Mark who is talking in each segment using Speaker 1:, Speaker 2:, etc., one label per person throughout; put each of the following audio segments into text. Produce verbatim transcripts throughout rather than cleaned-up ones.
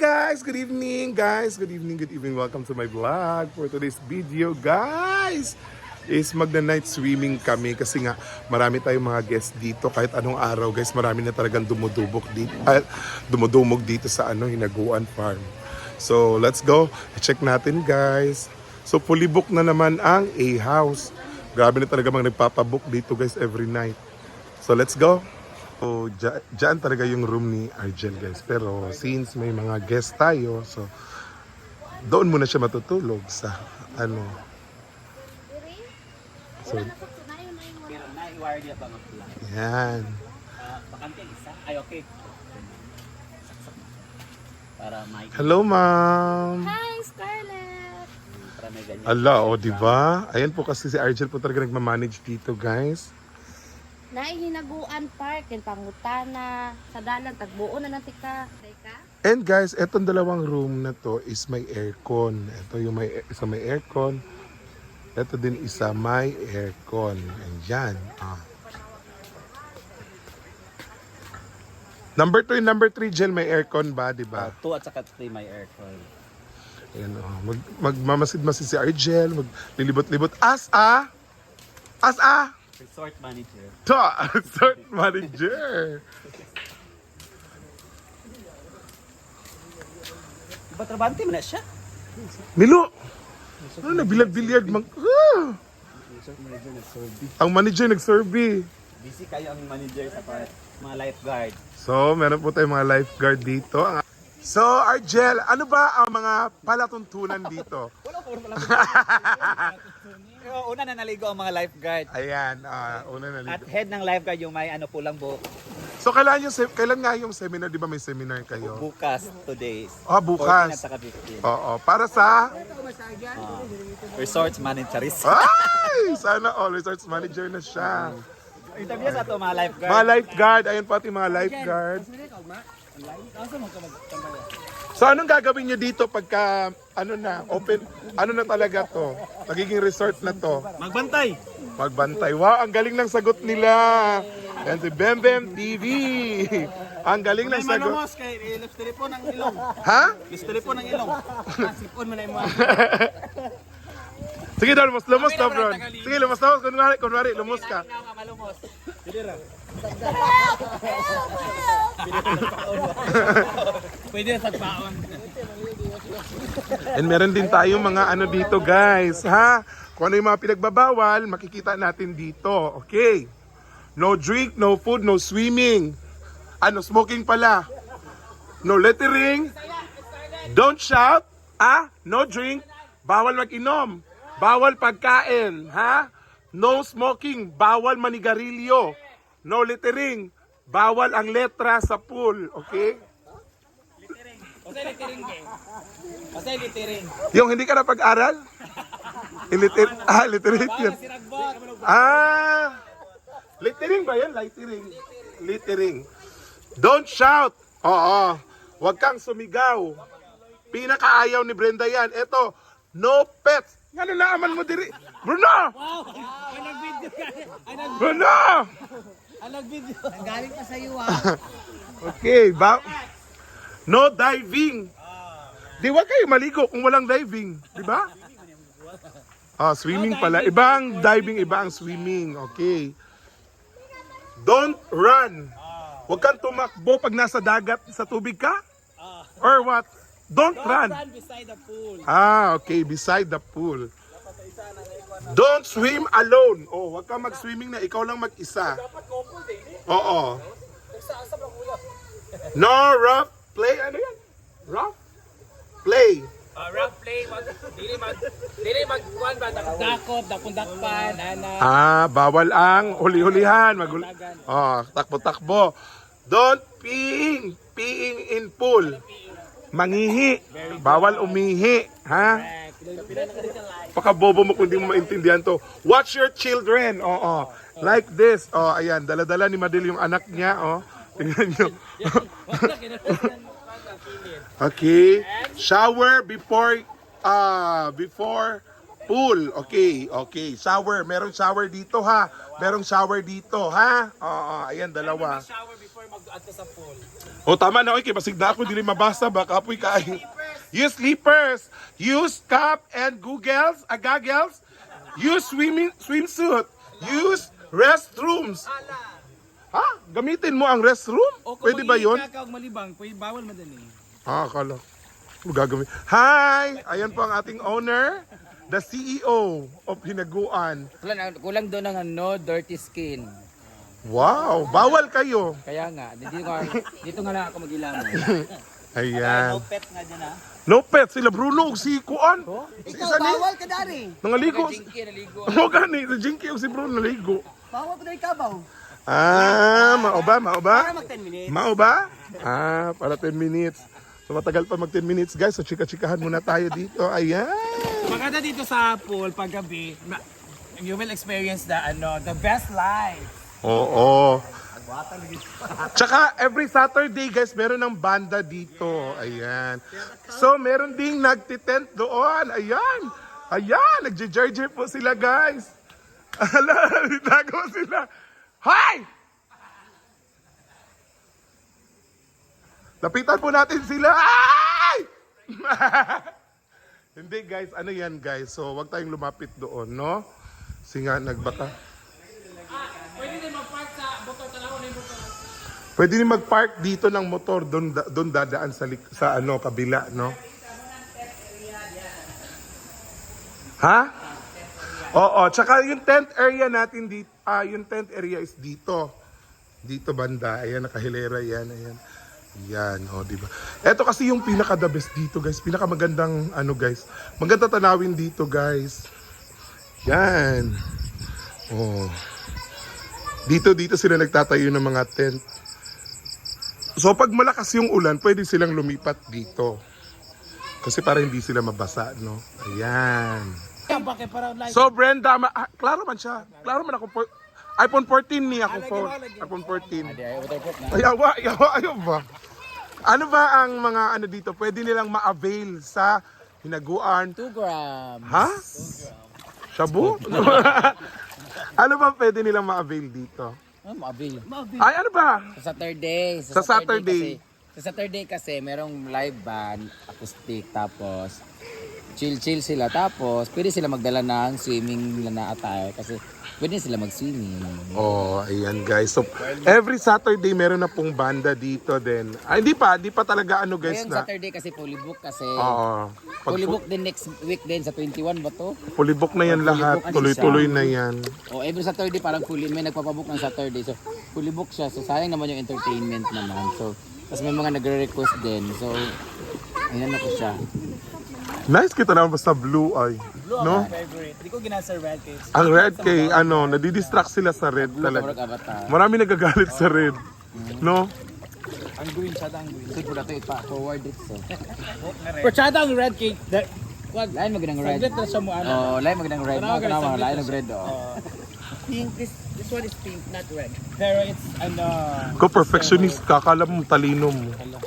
Speaker 1: guys! Good evening guys! Good evening, good evening. Welcome to my vlog. For today's video guys is magna-night swimming kami kasi nga marami tayong mga guests dito kahit anong araw guys. Marami na talagang dumudubok dito, uh, dumudumog dito sa ano, Hinaguan Farm. So let's go. Check natin guys. So fully book na naman ang A-House. Grabe na talaga mga nagpapabook dito guys every night. So let's go. So, dyan, dyan talaga yung room ni Argel guys. Pero since may mga guest tayo, so doon muna siya matutulog sa ano. So, yan.
Speaker 2: Ay, okay. Para may
Speaker 1: Hello ma'am.
Speaker 3: Hi, Scarlett!
Speaker 2: para may ganyan.
Speaker 1: Ala, o oh, diba? Ayan po kasi si Argel po talaga nagmamanage dito guys.
Speaker 3: Naihinaguan Park, yung pangutana, sa dalan, tagbuo na ng tika. Teka?
Speaker 1: And guys, etong dalawang room na to is may aircon. Ito yung may isa may aircon. Ito din isa may aircon. Ayan. Ah. Number two and number three, Jel, may aircon ba, di ba?
Speaker 2: Uh, two at saka three may aircon.
Speaker 1: Ayan, oh. Mag, magmamasid-masid si Argel, maglilibot-libot. As a! As a!
Speaker 2: Resort manager.
Speaker 1: Ta! Resort manager!
Speaker 2: Diba trabante mo na siya?
Speaker 1: Milo! Ano na, bilad-bilyard mang... Ah!
Speaker 2: Resort manager nag-survey.
Speaker 1: Ang manager nag-survey.
Speaker 2: Busy kayo ang manager sa part, mga lifeguard.
Speaker 1: So, meron po tayong mga lifeguard dito. So, Argel, ano ba ang mga palatuntunan dito?
Speaker 2: Wala ko wala. Una na naligo ang mga lifeguard.
Speaker 1: Ayan, ah, una na
Speaker 2: At
Speaker 1: dito.
Speaker 2: head ng lifeguard yung may ano pulang buhok.
Speaker 1: So, kailan, yung, se- kailan nga yung seminar? Di ba may seminar kayo?
Speaker 2: Bukas, two days.
Speaker 1: Ah,
Speaker 2: fourteen
Speaker 1: bukas.
Speaker 2: at saka fifteen.
Speaker 1: Oo, para sa...
Speaker 2: Ah, resorts manager.
Speaker 1: Ay! Sana all resorts manager na siya.
Speaker 2: Interview sa to mga lifeguard.
Speaker 1: Mga lifeguard, ayun pati mga lifeguard. So anong gagawin nyo dito pagka ano na, open, ano na talaga to? Magiging resort na to.
Speaker 2: Magbantay.
Speaker 1: Magbantay. Wow, ang galing ng sagot nila. Yan si Bem Bem T V. Ang galing ng sagot.
Speaker 2: Malumos kay ilus telepon ng ilong.
Speaker 1: Ha?
Speaker 2: Ilus telepon ng ilong. Sipon mo na mo.
Speaker 1: Sige daw, lumos, lumos ka bro. Sige, lumos, lumos. Kunwari, kunwari, lumos ka.
Speaker 2: Malumos. Pwede na sagpaon.
Speaker 1: And meron din tayong mga ano dito guys, ha? Kung ano yung mga pinagbabawal, makikita natin dito. Okay. No drink, no food, no swimming. Ano, smoking pala. No littering. Don't shout. Ah, no drink. Bawal mag-inom. Bawal pagkain, ha? No smoking. Bawal manigarilyo. No littering. Bawal ang letra sa pool. Okay?
Speaker 2: Kasi littering game. Kasi littering.
Speaker 1: Yung hindi ka na pag-aral? Illiter ah, literate yun.
Speaker 2: Siragbot.
Speaker 1: Ah! Littering ba yan? Littering. Littering. Don't shout. Oo. Huwag kang sumigaw. Pinakaayaw ni Brenda yan. Ito, no pets. Ano naaman mo diri? Bruno!
Speaker 2: Wow! Ay nag-video ka. Ay nag
Speaker 1: Bruno!
Speaker 2: Ay nag-video. Galing pa sa iyo ah.
Speaker 1: Okay, ba? No diving. Di wag kayo maligo kung walang diving, di ba? Ah, swimming pala. Iba ang diving, iba ang swimming. Okay. Don't run. Huwag kang tumakbo pag nasa dagat, sa tubig ka? Or what? Don't run.
Speaker 2: Stand beside the pool.
Speaker 1: Ah, okay. Beside the pool. Don't swim alone. Oh, huwag kang mag-swimming na ikaw lang mag-isa. Oo. No rough play. Ano yan? Rough play.
Speaker 2: Uh, rough play, mag dili mag dili magkuan ba dakot, dakon-dakpan, ana.
Speaker 1: Ah, bawal ang huli-hulihan. Mag oh, takbo-takbo. Don't peeing. Peeing in pool. Mangihi. Bawal umihi. Ha? Pakabobo mo kung di mo maintindihan to. Watch your children. Oo. Like this. Oh, ayan. Dala-dala ni Madel yung anak niya. Oh. Tingnan nyo. Okay. Shower before uh before Pool. Okay, okay. Shower. Merong shower dito ha. Merong shower dito ha. Oo, ayan, dalawa.
Speaker 2: Shower before mag-ato sa pool.
Speaker 1: O tama na, okay. Basig na ako, dili mabasa. Baka apoy kain. Use slippers. Use cap and goggles. Ah, goggles. Use swimming swimsuit. Use restrooms. Ha? Gamitin mo ang restroom? Pwede ba yun?
Speaker 2: Kakaw malibang, pwede bawal madali.
Speaker 1: Ah, akala. Ano gagawin? Hi! Ayan po ang ating owner, the C E O of Hinaguan.
Speaker 2: Kulang, kulang doon ng ano, dirty skin.
Speaker 1: Wow! Bawal kayo!
Speaker 2: Kaya nga, dito, nga- dito nga lang ako mag-ilamon.
Speaker 1: Ayan.
Speaker 2: pet nga dyan ha.
Speaker 1: No pet, sila Bruno ug si Kuan. Si isa ni,
Speaker 2: Bawal ka dari.
Speaker 1: nangaligo.
Speaker 2: Jinky, naligo.
Speaker 1: Ano gani? Si Jinky ug si Bruno naligo.
Speaker 2: Bawal pa na ikabaw.
Speaker 1: Ah, mao ba? Mao ba?
Speaker 2: mag ten minutes.
Speaker 1: Mao ba? Ah, para ten minutes. So matagal pa mag ten minutes guys. So chika-chikahan muna tayo dito. Ayan.
Speaker 2: Maganda dito sa pool paggabi, ma- you will experience the ano, the best life.
Speaker 1: Oo. Tsaka every Saturday guys, meron ng banda dito. Ayan. So meron ding nagtitent doon. Ayan. Ayan, nagje-jerjer po sila guys. Ala, nagawa sila. Hi! Lapitan po natin sila. Ay! Hindi guys, ano yan guys. So wag tayong lumapit doon, no? Kasi nga nagbaka.
Speaker 2: Pwede din mag-park sa motor, tanaw na yung motor.
Speaker 1: Pwede din mag-park dito ng motor doon da- doon dadaan sa lik- sa ano kabila, no? Ha? Oo, tsaka yung tent area natin dito, ah, yung tent area is dito. Dito banda, ayan nakahilera yan, ayan. Yan, oh, di ba? Ito kasi yung pinaka the best dito, guys. Pinaka magandang ano, guys. Maganda tanawin dito, guys. Yan. Oh. Dito dito sila nagtatayo ng mga tent. So pag malakas yung ulan, pwede silang lumipat dito. Kasi para hindi sila mabasa, no? Ayan.
Speaker 2: Bakit para like
Speaker 1: So Brenda, ma- ah, klaro man siya. Klaro man ako po. iPhone fourteen ni ako phone. iPhone fourteen. Ay, awa, awa, ayaw ba? Ano ba ang mga ano dito? Pwede nilang ma-avail sa Hinaguan.
Speaker 2: two grams.
Speaker 1: Ha? Shabu? Ano ba pwede nilang ma-avail dito?
Speaker 2: Ah, maabil.
Speaker 1: Ay, ano ba?
Speaker 2: Sa Saturday.
Speaker 1: Sa Saturday.
Speaker 2: Kasi, sa Saturday kasi merong live band, acoustic, tapos chill-chill sila. Tapos pwede sila magdala ng swimming na attire kasi pwede sila mag-swimming.
Speaker 1: Oh, ayan guys. So, every Saturday meron na pong banda dito din. Ay, hindi pa. Hindi pa talaga ano guys
Speaker 2: Ngayong
Speaker 1: na.
Speaker 2: Saturday kasi fully book kasi.
Speaker 1: Oo. Pag
Speaker 2: Fully book din next week din sa twenty-one ba to?
Speaker 1: fully book na yan lahat. Tuloy-tuloy na yan.
Speaker 2: O every Saturday parang fully, may nagpapabook ng Saturday. So fully book siya. So sayang naman yung entertainment naman. So tapos may mga nagre-request din. So ayan na po siya.
Speaker 1: Nice kita naman basta blue eye. No?
Speaker 2: Favorite. Hindi ko ginasa red cakes.
Speaker 1: Ang red kay ano, nadidistract sila sa red
Speaker 2: Talaga.
Speaker 1: talaga.
Speaker 2: Avatar.
Speaker 1: Marami nagagalit sa red. No?
Speaker 2: Ang green siya, ang green. Sige po natin ipa-forward it so. Porchada ang red cake. Wag. Lain magandang red. Saglit na siya mo ano. Oh, lain magandang red. Ano ka lain ng red oh. Pink, this this one is pink, not red. Pero it's ano.
Speaker 1: Ko perfectionist ka, akala mo talino mo.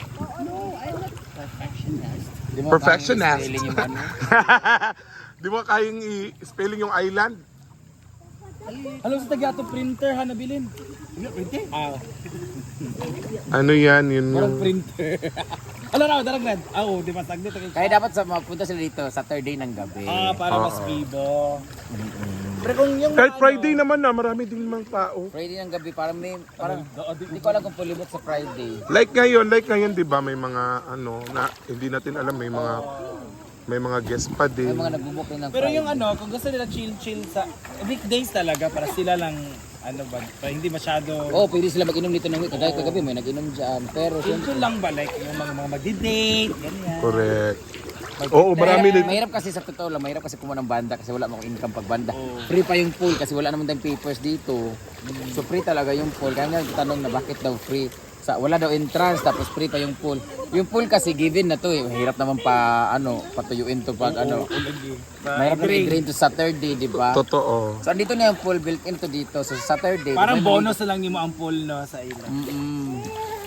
Speaker 2: Di mo
Speaker 1: Perfectionist.
Speaker 2: kayang i-spelling yung ano.
Speaker 1: Di mo kayang i-spelling yung island?
Speaker 2: Alam sa taga to printer ha nabilin. Printer? Ah.
Speaker 1: Ano yan, yun
Speaker 2: Parang
Speaker 1: yung...
Speaker 2: printer. Alam na, darag red. Ah, oo, di ba saglit. Kaya dapat sa mapunta sila dito Saturday ng gabi. Ah, para mas vivo. Pero kung yung
Speaker 1: Kahit Friday naman na, marami din mga tao.
Speaker 2: Friday ng gabi parang may parang hindi ko alam kung fully book sa Friday.
Speaker 1: Like ngayon, like ngayon, di ba, may mga ano, na hindi natin alam, may mga may mga guest pa
Speaker 2: May
Speaker 1: din.
Speaker 2: mga nagbo-book din ng Pero yung ano, kung gusto nila chill-chill sa weekdays talaga para sila lang ano ba, para hindi masyado Oh, pwede sila mag-inom dito ng week. Kagaya kagabi may nag-inom diyan. Pero chill lang ba like yung mga mga magdi-date, ganyan.
Speaker 1: Correct. Oo, marami din.
Speaker 2: Mahirap kasi sa totoo lang, mahirap kasi kumuha ng banda kasi wala mo income pag banda. Free pa yung pool kasi wala naman tayong papers dito. So free talaga yung pool. Kaya nga tanong na bakit daw free? Sa, wala daw entrance tapos free pa yung pool. Yung pool kasi given na to eh. Mahirap naman pa ano, patuyuin to pag ano. Mahirap na i-drain to Saturday, di ba?
Speaker 1: Totoo.
Speaker 2: So andito na yung pool built into dito. So Saturday.
Speaker 4: Parang
Speaker 2: may-
Speaker 4: bonus na lang yung ang pool no sa ila.
Speaker 2: Mm-mm.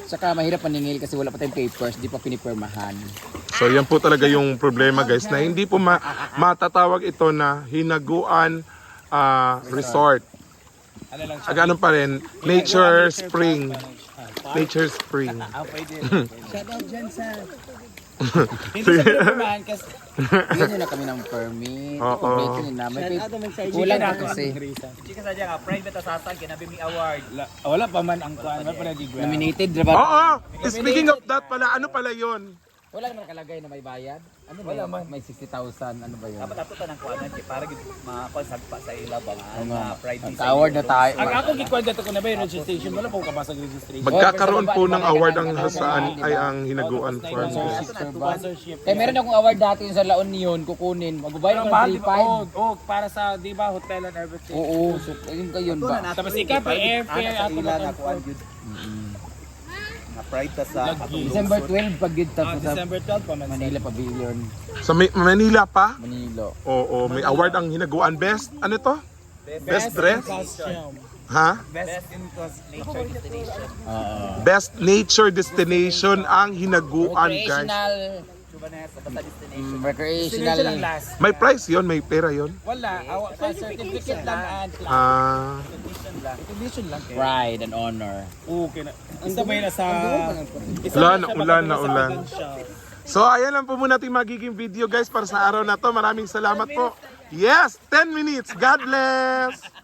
Speaker 2: Saka mahirap maningil kasi wala pa tayong papers, di pa pinipirmahan.
Speaker 1: So yan po talaga yung problema guys na hindi po ma- matatawag ito na hinaguan ah, resort. Aga ano pa rin, Nature Spring. Nature Spring.
Speaker 4: Shout out dyan sa...
Speaker 2: Hindi sa pinipirmahan kasi bigyan na kami ng permit.
Speaker 1: Oo.
Speaker 2: Complete yun na. May
Speaker 4: Shout
Speaker 2: pip-
Speaker 4: out naman sa inyo.
Speaker 2: kulang pa kasi.
Speaker 5: Chika sa dyan, pride na tasasan, kinabi mi award.
Speaker 4: Wala pa man ang kuhan. Wala pa na di
Speaker 2: Nominated, diba?
Speaker 1: Oo! Speaking of that pala, ano pala yon?
Speaker 2: Wala naman nakalagay na may bayad. Ano ba yun? May sixty thousand, ano ba yun?
Speaker 5: Dapat ato tanang kuanan kay para gid makakonsag pa sa ilabang
Speaker 2: Oo nga.
Speaker 5: nga pride ni
Speaker 2: Award na tayo.
Speaker 4: Ang ako gikwenta ko na ba yung registration? Wala pa ko kabasag registration.
Speaker 1: Magkakaroon po ng award ang saan ay ang hinaguan farm.
Speaker 4: Sponsorship.
Speaker 2: Kaya meron akong award dati yung sa La Union, kukunin. Magbabayad
Speaker 4: Ang
Speaker 2: ng
Speaker 4: mahal,
Speaker 2: three
Speaker 4: di ba?
Speaker 2: five.
Speaker 4: Oh, oh, para sa, di ba, hotel and everything.
Speaker 2: Oo, so yun ka yun ba?
Speaker 4: Tapos ikaw pa airfare,
Speaker 5: sa
Speaker 4: ako
Speaker 5: ila
Speaker 4: ba
Speaker 5: na kuan gyud. Na pride ta sa
Speaker 4: Lagi.
Speaker 2: December twelve pag yun
Speaker 4: Ah,
Speaker 2: tapos sa
Speaker 4: December twelve pa man.
Speaker 2: Manila Pavilion,
Speaker 1: Sa May- Manila pa?
Speaker 2: Manila.
Speaker 1: Oo, may award ang hinaguan. Best, ano to? Best dress?
Speaker 4: Costume.
Speaker 1: Ha?
Speaker 5: best in cause nature destination.
Speaker 2: Oo.
Speaker 1: Best nature destination ang hinaguan guys.
Speaker 2: Recreational,
Speaker 5: Suba na sa basta destination.
Speaker 2: mm,
Speaker 4: Destination ang
Speaker 2: recreational.
Speaker 4: last.
Speaker 1: May price yon, may pera yon.
Speaker 4: Wala. Awa, pa certificate lang and class.
Speaker 1: Ah,
Speaker 4: Recognition lang. kaya.
Speaker 2: Pride and honor.
Speaker 4: Okay na. Ang sabay na sa...
Speaker 1: Ulan, ulan na ulan. So ayan lang po muna ating magiging video guys para sa araw na to. Maraming salamat po. Yes, ten minutes. God bless.